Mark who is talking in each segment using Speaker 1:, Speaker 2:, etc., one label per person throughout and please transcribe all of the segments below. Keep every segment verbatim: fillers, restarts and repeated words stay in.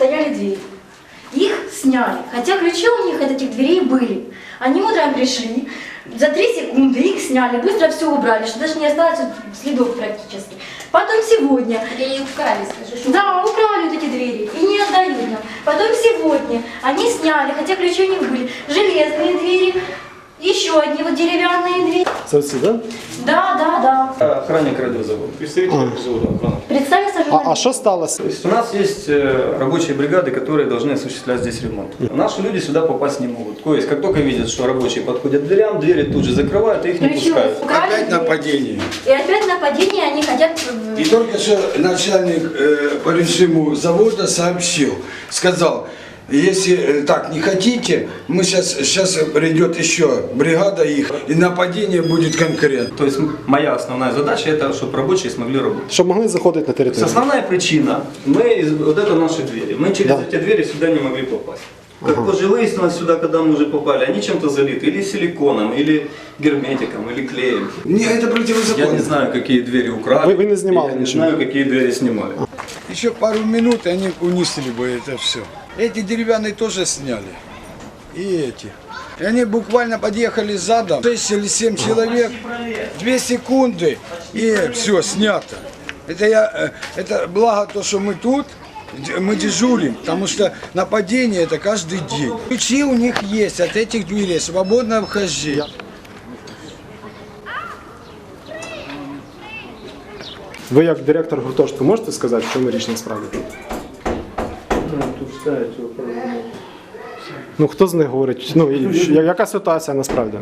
Speaker 1: стояли двери. Их сняли, хотя ключи у них от этих дверей были. Они утром пришли, за три секунды их сняли, быстро все убрали, что даже не осталось следов практически. Потом сегодня...
Speaker 2: Или украли, скажи, что...
Speaker 1: Да, украли вот эти двери и не отдают нам. Потом сегодня они сняли, хотя ключи у них были, железные двери, еще одни вот деревянные двери.
Speaker 3: Совсем, да?
Speaker 1: Да, да, да.
Speaker 4: Охранник радиозавода. Представитель радиозавода охраны.
Speaker 1: Представиться
Speaker 3: А, а
Speaker 1: журналистам.
Speaker 3: что сталося?
Speaker 4: То есть у нас есть э, рабочие бригады, которые должны осуществлять здесь ремонт. Наши люди сюда попасть не могут. То есть, как только видят, что рабочие подходят к дверям, двери тут же закрывают и их не
Speaker 1: Ключи
Speaker 4: пускают.
Speaker 1: украли
Speaker 5: Опять
Speaker 1: двери.
Speaker 5: нападение.
Speaker 1: И опять нападение, они хотят... э,
Speaker 5: И только что начальник э, по режиму завода сообщил, сказал, если э, так не хотите, мы сейчас, сейчас придет еще бригада их, и нападение будет конкретно.
Speaker 4: То есть моя основная задача это, чтобы рабочие смогли работать.
Speaker 3: Щоб могли заходити на територію.
Speaker 4: Основная причина, мы, из- вот это наши двери, мы через
Speaker 3: Да.
Speaker 4: эти двери сюда не могли попасть. Как позже выяснилось, сюда, когда мы уже попали, они чем-то залиты, или силиконом, или герметиком, или клеем.
Speaker 5: Не, это
Speaker 4: Я
Speaker 5: противозаконно.
Speaker 4: не знаю, какие двери украли.
Speaker 3: Вы- вы не снимали
Speaker 4: я не
Speaker 3: ничего?
Speaker 4: знаю, какие двери снимали.
Speaker 5: Еще пару минут, и они унесли бы это все. Эти деревянные тоже сняли. И эти. И они буквально подъехали задом, шесть или семь человек, две секунды, и все, снято. Это, я, э, это благо то, что мы тут, д- мы дежурим, потому что нападение это каждый день. Ключи у них есть от этих дверей, свободное вхождение.
Speaker 3: Ви як директор гуртожитку можете сказати, в чому річ насправді? Ну хто з них говорить? Ну і що- яка ситуація насправді?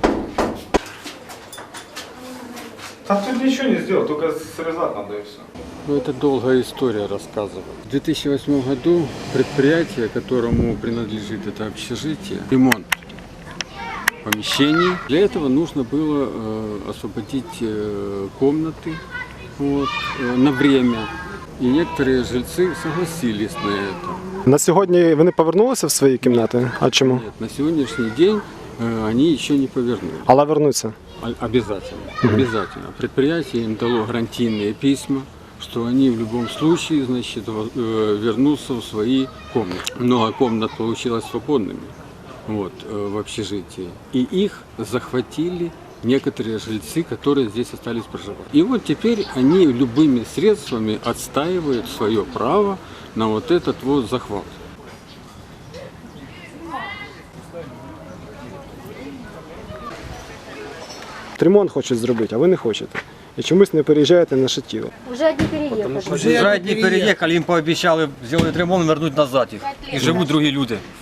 Speaker 6: Там тут ничего не сделал, только срезать надо и все.
Speaker 7: Ну, это долгая история рассказывать. В две тысячи восьмом году предприятие, которому принадлежит это общежитие, ремонт помещений. Для этого нужно было э, освободить э, комнаты вот, э, на время. И некоторые жильцы согласились на это.
Speaker 3: На сьогодні вони повернулися в свої кімнати? А чому?
Speaker 7: Нет, на сегодняшний день э, они еще не повернули.
Speaker 3: Але вернуться.
Speaker 7: О- Обязательно, обязательно. Предприятие им дало гарантийные письма, что они в любом случае, значит, во- э, вернутся в свои комнаты. Много комнат получилось свободными вот, э, в общежитии. И их захватили некоторые жильцы, которые здесь остались проживать. И вот теперь они любыми средствами отстаивают свое право на вот этот вот захват.
Speaker 3: Ремонт хочуть зробити, а ви не хочете. І чомусь не переїжджаєте на Шатіло.
Speaker 1: Уже одни переехали.
Speaker 8: Уже одни переехали, им пообещали сделать ремонт, вернуть назад их. И живут другие люди